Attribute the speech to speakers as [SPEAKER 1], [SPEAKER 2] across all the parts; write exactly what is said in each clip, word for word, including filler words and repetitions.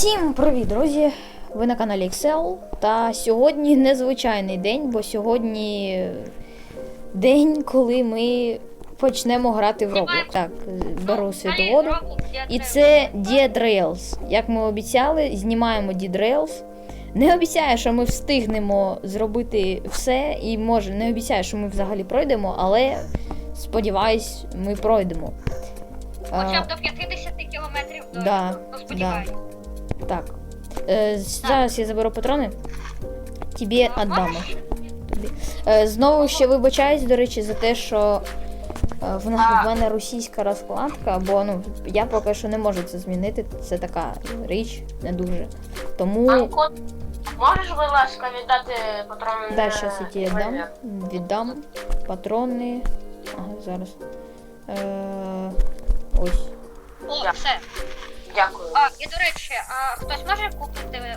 [SPEAKER 1] Всім привіт, друзі! Ви на каналі Excel. Та сьогодні незвичайний день, бо сьогодні день, коли ми почнемо грати в Roblox. Так, беру світоводу. І це Dead Rails. Як ми обіцяли, знімаємо Dead Rails. Не обіцяю, що ми встигнемо зробити все, і може не обіцяю, що ми взагалі пройдемо, але сподіваюсь, ми пройдемо.
[SPEAKER 2] Хоча б до п'ятдесят кілометрів до
[SPEAKER 1] да,
[SPEAKER 2] сподіваюсь.
[SPEAKER 1] Да. Так. Е, зараз я заберу патрони. Тобі віддам. Е, знову ще вибачаюсь, до речі, за те, що е, в, в мене російська розкладка, бо ну, я поки що не можу це змінити. Це така річ, не дуже. Тому...
[SPEAKER 3] Анко, можеш, будь ласка, віддати патрони?
[SPEAKER 1] Да, зараз я ті віддам. Віддам. Патрони. Ага, зараз. Е, ось.
[SPEAKER 2] О,
[SPEAKER 3] Я.
[SPEAKER 2] все.
[SPEAKER 3] Дякую.
[SPEAKER 2] А, і до речі, а хтось може купити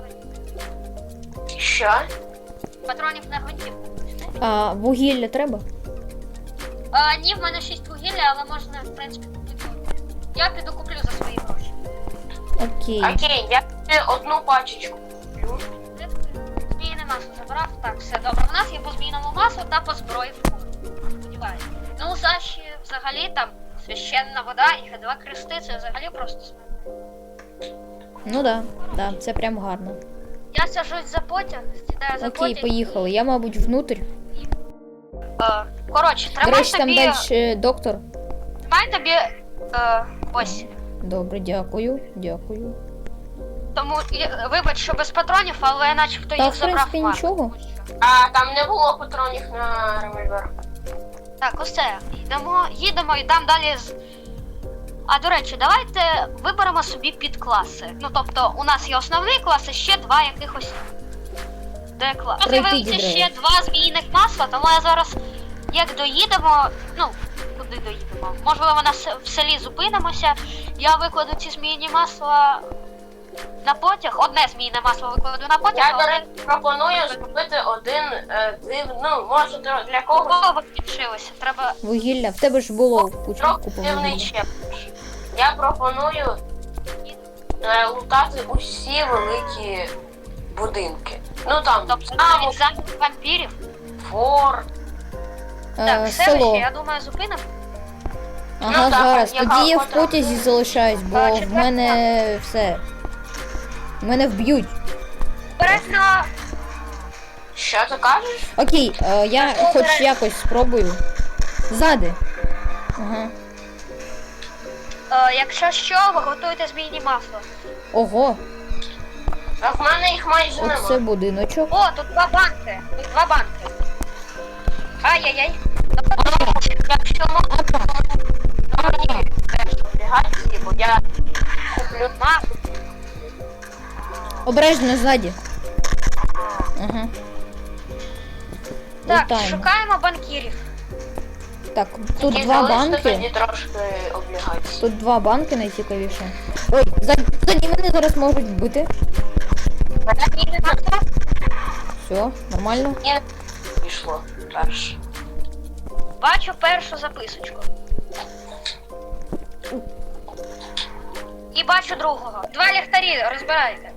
[SPEAKER 3] Що?
[SPEAKER 2] патронів на гвинтівку?
[SPEAKER 1] А вугілля треба?
[SPEAKER 2] А, ні, в мене шість вугілля, але можна, в принципі, купити. Я піду куплю за свої гроші.
[SPEAKER 1] Окей.
[SPEAKER 3] Окей, я тобі одну пачечку куплю.
[SPEAKER 2] Змійне масло забрав. Так, все добре. У нас є по змійному маслу та по зброї. Сподіваюся. Ну, Саші взагалі там священна вода і ге два крести, це взагалі просто смерть.
[SPEAKER 1] Ну да, да, це прям гарно.
[SPEAKER 2] Я сажусь за потяг, сідаю за
[SPEAKER 1] Окей,
[SPEAKER 2] потяг.
[SPEAKER 1] поїхали. Я, мабуть, внутрь.
[SPEAKER 2] Е, коротше,
[SPEAKER 1] До
[SPEAKER 2] тримай
[SPEAKER 1] речі, там
[SPEAKER 2] тобі...
[SPEAKER 1] далі доктор.
[SPEAKER 2] Тримай тобі... Е, ось.
[SPEAKER 1] Добре, дякую, дякую.
[SPEAKER 2] Тому, і, вибач, що без патронів, але начебто
[SPEAKER 1] Та,
[SPEAKER 2] їх
[SPEAKER 1] в
[SPEAKER 2] забрав
[SPEAKER 1] принципі,
[SPEAKER 2] Марк.
[SPEAKER 1] нічого.
[SPEAKER 3] А там не було патронів на револьвер.
[SPEAKER 2] Так, усе. Йдемо, їдемо і там далі з... А, до речі, давайте виберемо собі підкласи. Ну, тобто, у нас є основний клас і ще два якихось... Де клас? Тут
[SPEAKER 1] Пройти
[SPEAKER 2] з'явилися
[SPEAKER 1] дідрею.
[SPEAKER 2] ще два змійних масла, тому я зараз, як доїдемо, ну, куди доїдемо? Можливо, на с- в селі зупинимося, я викладу ці змійні масла на потяг, одне змійне масло викладу на потяг,
[SPEAKER 3] Я,
[SPEAKER 2] а
[SPEAKER 3] до
[SPEAKER 2] одне...
[SPEAKER 3] речі, пропоную зробити один е, див... Ну, може, для- для когось
[SPEAKER 2] Кого закінчилося? Треба...
[SPEAKER 1] Вугілля. В тебе ж було куча
[SPEAKER 3] трохи
[SPEAKER 1] купа
[SPEAKER 3] дивний
[SPEAKER 1] вугілля.
[SPEAKER 3] челендж. Я пропоную е, лутати усі великі будинки. Ну там,
[SPEAKER 2] Тобто
[SPEAKER 3] замок,
[SPEAKER 2] навіть замок вампірів.
[SPEAKER 3] форт.
[SPEAKER 2] Так,
[SPEAKER 1] Е,
[SPEAKER 2] селище,
[SPEAKER 1] село.
[SPEAKER 2] я думаю, зупинимо.
[SPEAKER 1] Ага,
[SPEAKER 3] Ну, так,
[SPEAKER 1] зараз.
[SPEAKER 3] яка
[SPEAKER 1] Тоді я в
[SPEAKER 3] охота?
[SPEAKER 1] потязі залишаюсь, бо
[SPEAKER 2] А,
[SPEAKER 1] в
[SPEAKER 2] четверта.
[SPEAKER 1] мене все. Мене вб'ють.
[SPEAKER 2] Обережно!
[SPEAKER 3] Що ти кажеш?
[SPEAKER 1] Окей, е, я хоч якось спробую. Ззади. Ага.
[SPEAKER 2] Е, якщо що, ви готуйте змійні масло.
[SPEAKER 1] Ого,
[SPEAKER 3] А в мене їх майже
[SPEAKER 1] оце
[SPEAKER 3] немає.
[SPEAKER 1] будиночок.
[SPEAKER 2] О, тут два банки. Тут два банки. Ай-яй-яй.
[SPEAKER 3] Якщо можна, то мені теж облігації, бо я куплю
[SPEAKER 2] Ма,
[SPEAKER 1] Обережно ззаді. Ага.
[SPEAKER 2] так,
[SPEAKER 1] Лутаємо.
[SPEAKER 2] шукаємо банкірів.
[SPEAKER 1] Так, тут
[SPEAKER 3] і
[SPEAKER 1] два
[SPEAKER 3] залиште
[SPEAKER 1] банки.
[SPEAKER 3] тоді трошки облігацій.
[SPEAKER 1] Тут два банки найцікавіше. Ой, ззаді, ззаді мене зараз можуть вбити.
[SPEAKER 2] Змійне масло.
[SPEAKER 1] Все, нормально.
[SPEAKER 3] І пішло перше.
[SPEAKER 2] Бачу першу записочку. І бачу другого. Два ліхтарі, розбирайте.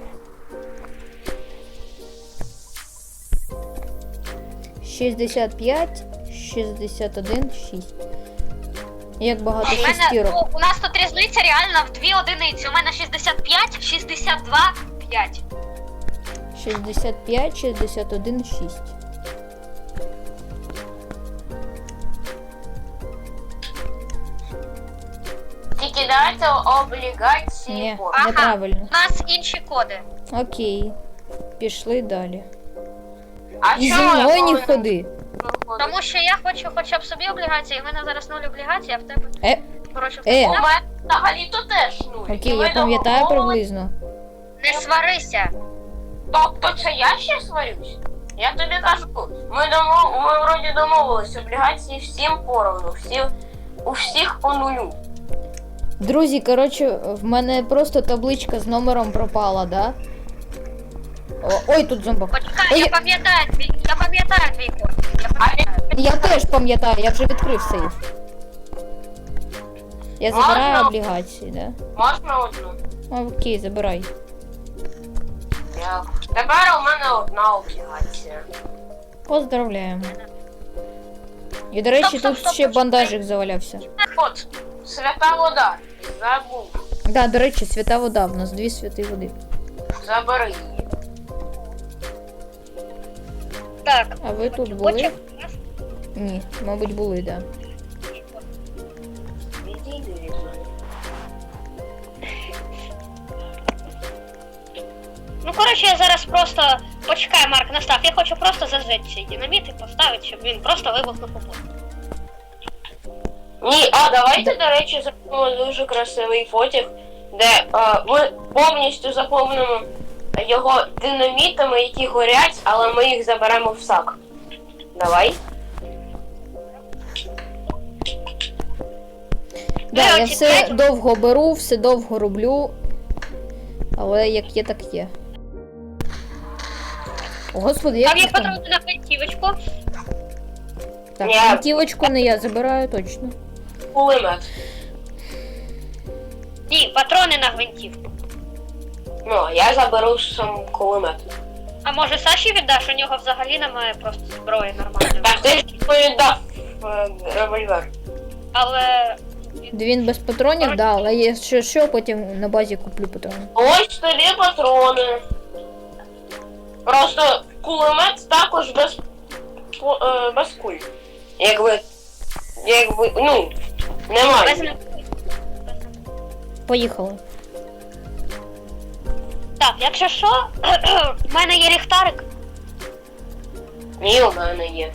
[SPEAKER 1] шістдесят п'ять, шістдесят один, шість. Як багато
[SPEAKER 2] У мене,
[SPEAKER 1] шестірок.
[SPEAKER 2] ну, у нас тут різниця реально в дві одиниці. У мене шістдесят п'ять, шістдесят два, п'ять.
[SPEAKER 1] шістдесят п'ять, шістдесят один, шість.
[SPEAKER 3] Тільки давайте облігації.
[SPEAKER 1] Ні,
[SPEAKER 3] по-
[SPEAKER 2] Ага.
[SPEAKER 1] неправильно.
[SPEAKER 2] У нас інші коди.
[SPEAKER 1] Окей. Пішли далі.
[SPEAKER 3] А
[SPEAKER 1] І зі
[SPEAKER 3] чому я
[SPEAKER 1] мною не
[SPEAKER 3] повинен
[SPEAKER 1] ходи.
[SPEAKER 3] виходити?
[SPEAKER 2] Тому що я хочу хоча б собі облігації, в мене зараз нуль облігацій, а в тебе,
[SPEAKER 1] Е,
[SPEAKER 2] коротше,
[SPEAKER 1] Е.
[SPEAKER 3] У мене взагалі то теж нуль. І
[SPEAKER 1] окей,
[SPEAKER 3] ви
[SPEAKER 1] я пам'ятаю
[SPEAKER 3] домовились-
[SPEAKER 1] приблизно.
[SPEAKER 2] не сварися.
[SPEAKER 3] Тобто це я ще сварюсь? Я тобі кажу, ми домов... ми вроді домовились, облігації всім поровну, всі... у всіх по нулю.
[SPEAKER 1] Друзі, коротше, в мене просто табличка з номером пропала, да? О, ой, тут зомбак.
[SPEAKER 2] Почекай,
[SPEAKER 1] Ой,
[SPEAKER 2] я пам'ятаю твій, я пам'ятаю твій код. Я пам'ятаю.
[SPEAKER 1] я теж пам'ятаю, я вже відкрив сейф. Я забираю
[SPEAKER 3] Можна?
[SPEAKER 1] облігації, да?
[SPEAKER 3] Можна одну?
[SPEAKER 1] Окей, забирай.
[SPEAKER 3] Дякую. Тепер у мене одна облігація.
[SPEAKER 1] Поздравляємо. І, до речі,
[SPEAKER 2] Стоп, стоп,
[SPEAKER 1] тут
[SPEAKER 2] стоп,
[SPEAKER 1] ще
[SPEAKER 2] стоп,
[SPEAKER 1] бандажик завалявся.
[SPEAKER 3] От, свята вода. Забув.
[SPEAKER 1] Да, до речі, свята вода. В нас дві святі води.
[SPEAKER 3] Забери її.
[SPEAKER 1] Так. А ви тут були?
[SPEAKER 2] Потім-
[SPEAKER 1] Ні, мабуть, були, да.
[SPEAKER 3] Відійди від мене.
[SPEAKER 2] Ну, коротше, я зараз просто почекаю, Марк, настав. Я хочу просто зажечь цей динаміт і поставити, щоб він просто вибухнув у воду.
[SPEAKER 3] Ні, а давайте, до речі, зробимо дуже красивий потяг, де е, ми повністю заповнимо його динамітами, які горять, але ми їх заберемо в сак. Давай.
[SPEAKER 1] Да, я
[SPEAKER 2] Коротше,
[SPEAKER 1] все
[SPEAKER 2] третє-
[SPEAKER 1] довго беру, все довго роблю. Але як є, так є. О, господи, як
[SPEAKER 2] Там є
[SPEAKER 1] їх там?
[SPEAKER 2] патрони на гвинтівочку.
[SPEAKER 1] Так,
[SPEAKER 3] Ні.
[SPEAKER 1] гвинтівочку не я забираю, точно.
[SPEAKER 3] Кулемет.
[SPEAKER 2] Ні, патрони на гвинтівку.
[SPEAKER 3] Ну, а я заберу сам кулемет.
[SPEAKER 2] А може Саші віддаш? У нього взагалі немає просто зброї нормальної.
[SPEAKER 3] Так, ти ж повіддав е, револьвер.
[SPEAKER 2] Але
[SPEAKER 1] Він без патронів, да, але я що, що потім на базі куплю патрони.
[SPEAKER 3] Ось тобі патрони. Просто кулемет також без, по- е, без куль. Якби, якби, ну,
[SPEAKER 2] без
[SPEAKER 3] немає.
[SPEAKER 2] них.
[SPEAKER 1] Поїхали.
[SPEAKER 2] Так, якщо що, в мене є ліхтарик.
[SPEAKER 3] Ні, у мене є.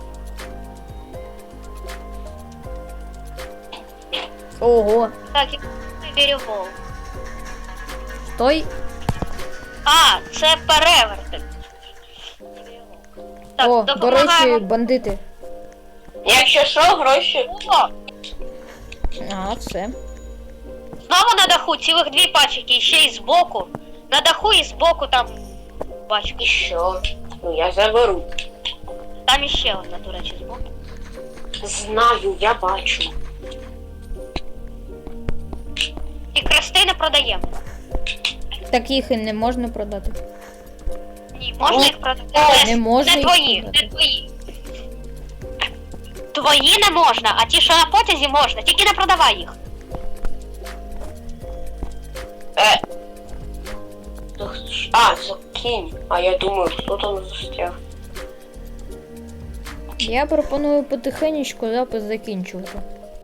[SPEAKER 1] Ого,
[SPEAKER 2] Так, і вірювол.
[SPEAKER 1] той.
[SPEAKER 2] А, це перевертень. Так,
[SPEAKER 1] О, до
[SPEAKER 2] допомагаємо.
[SPEAKER 1] речі, бандити.
[SPEAKER 3] Якщо що, гроші.
[SPEAKER 2] О,
[SPEAKER 1] А, все.
[SPEAKER 2] знову на даху цілих дві пачки, і ще й збоку. На даху і збоку там
[SPEAKER 3] І
[SPEAKER 2] пачки.
[SPEAKER 3] що? Ну, я заберу.
[SPEAKER 2] Там іще одна, до речі, збоку.
[SPEAKER 3] Знаю, я бачу.
[SPEAKER 2] І крести не продаємо.
[SPEAKER 1] Так їх і не можна продати.
[SPEAKER 2] Ні, можна
[SPEAKER 3] Ні.
[SPEAKER 2] їх продати. але
[SPEAKER 1] Не можна
[SPEAKER 2] Не
[SPEAKER 1] їх
[SPEAKER 2] твої,
[SPEAKER 1] продати.
[SPEAKER 2] не твої. Твої не можна, а ті, що на потязі, можна. Тільки не продавай їх.
[SPEAKER 3] Е. То хто ж- А, це кінь. А я думаю, хто там застряг.
[SPEAKER 1] Я пропоную потихенечку запис закінчувати.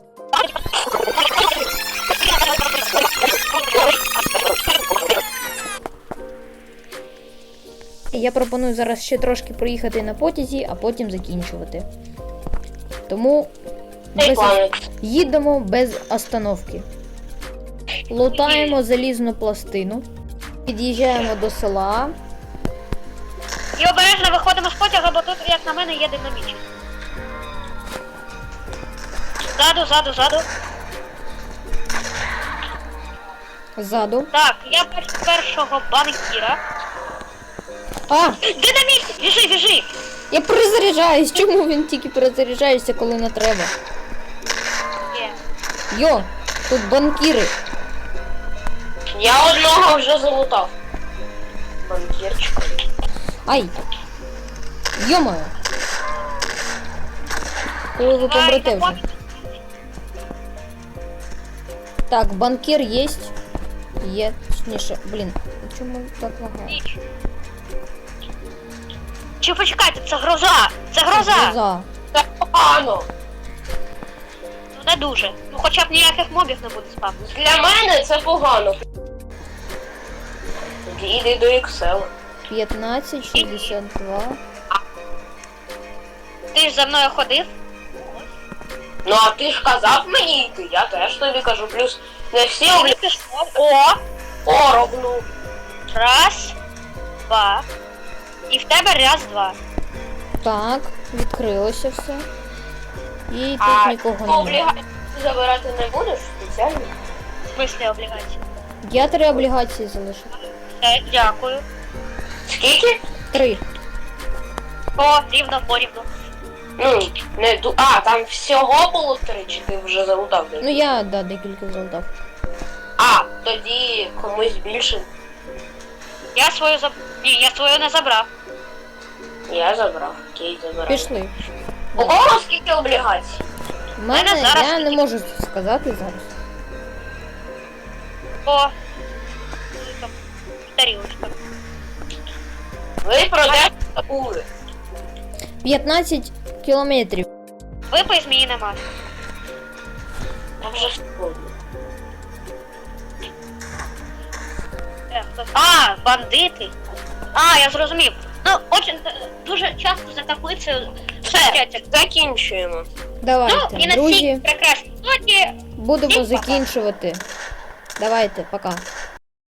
[SPEAKER 1] Я пропоную зараз ще трошки проїхати на потязі, а потім закінчувати. Тому
[SPEAKER 3] Цей
[SPEAKER 1] без...
[SPEAKER 3] планик.
[SPEAKER 1] їдемо без остановки. Лутаємо залізну пластину. Під'їжджаємо до села.
[SPEAKER 2] І обережно виходимо з потяга, бо тут, як на мене, є динамічний. Ззаду, ззаду, ззаду.
[SPEAKER 1] Ззаду.
[SPEAKER 2] Так, я бачу першого банкіра.
[SPEAKER 1] А!
[SPEAKER 2] Динаміт! Біжи, біжи!
[SPEAKER 1] Я перезаряджаюсь! Чому він тільки перезаряджається, коли не треба?
[SPEAKER 2] Є.
[SPEAKER 1] Йо! Тут банкіри!
[SPEAKER 3] Я одного вже залутав. Банкірчик.
[SPEAKER 1] Ай! Йо-моє! Коли ви помрете
[SPEAKER 2] Ай,
[SPEAKER 1] вже. Так, банкір є. Є, точніше. Блін, чому так лагає?
[SPEAKER 2] Ніч. Чи почекайте, це гроза! Це гроза!
[SPEAKER 1] Гроза.
[SPEAKER 3] Це погано.
[SPEAKER 2] Ну не дуже. Ну хоча б ніяких мобів не буде спавнити.
[SPEAKER 3] Для мене це погано. Тоді йди до Excel.
[SPEAKER 1] п'ятнадцять шістдесят два.
[SPEAKER 2] Ти ж за мною ходив?
[SPEAKER 3] Ну а ти ж казав мені йти, я теж тобі кажу. Плюс не всі
[SPEAKER 2] Ти
[SPEAKER 3] облі...
[SPEAKER 2] пішов. О!
[SPEAKER 3] Оробну.
[SPEAKER 2] Раз, два. І в тебе раз, два.
[SPEAKER 1] Так, відкрилося все. І тут
[SPEAKER 3] А
[SPEAKER 1] нікого
[SPEAKER 3] ти
[SPEAKER 1] немає.
[SPEAKER 3] облігації забирати не будеш спеціально?
[SPEAKER 2] В смислі облігації.
[SPEAKER 1] Я три облігації залишив.
[SPEAKER 2] Все, дякую.
[SPEAKER 3] Скільки?
[SPEAKER 1] Три.
[SPEAKER 2] О, рівно, порівну.
[SPEAKER 3] Ну, не ду... А, там всього було три, чи ти вже залутав?
[SPEAKER 1] Ну я, да, декілька залутав.
[SPEAKER 3] А, А, тоді комусь більше.
[SPEAKER 2] Я свою заб... Ні, я свою не забрав.
[SPEAKER 3] Я забрав. Окей, забираю.
[SPEAKER 1] Пішли.
[SPEAKER 3] У кого скільки облігацій?
[SPEAKER 1] У мене
[SPEAKER 2] Мене зараз
[SPEAKER 1] я не
[SPEAKER 2] тільки-
[SPEAKER 1] можу сказати зараз.
[SPEAKER 2] О, там, тарілочка.
[SPEAKER 3] Ви продайте таку.
[SPEAKER 1] п'ятнадцять кілометрів.
[SPEAKER 2] Випий зміїне масло.
[SPEAKER 3] Я вже сьогодні.
[SPEAKER 2] Е, хтось- А, бандити. А, я зрозумів. Ну, очень, е, дуже часто за таблицею
[SPEAKER 3] Все,
[SPEAKER 2] стоять.
[SPEAKER 3] закінчуємо.
[SPEAKER 1] Давайте,
[SPEAKER 2] Ну, і на цій
[SPEAKER 1] друзі,
[SPEAKER 2] прекрасній ноті
[SPEAKER 1] будемо
[SPEAKER 2] всім пока.
[SPEAKER 1] закінчувати. Давайте, пока.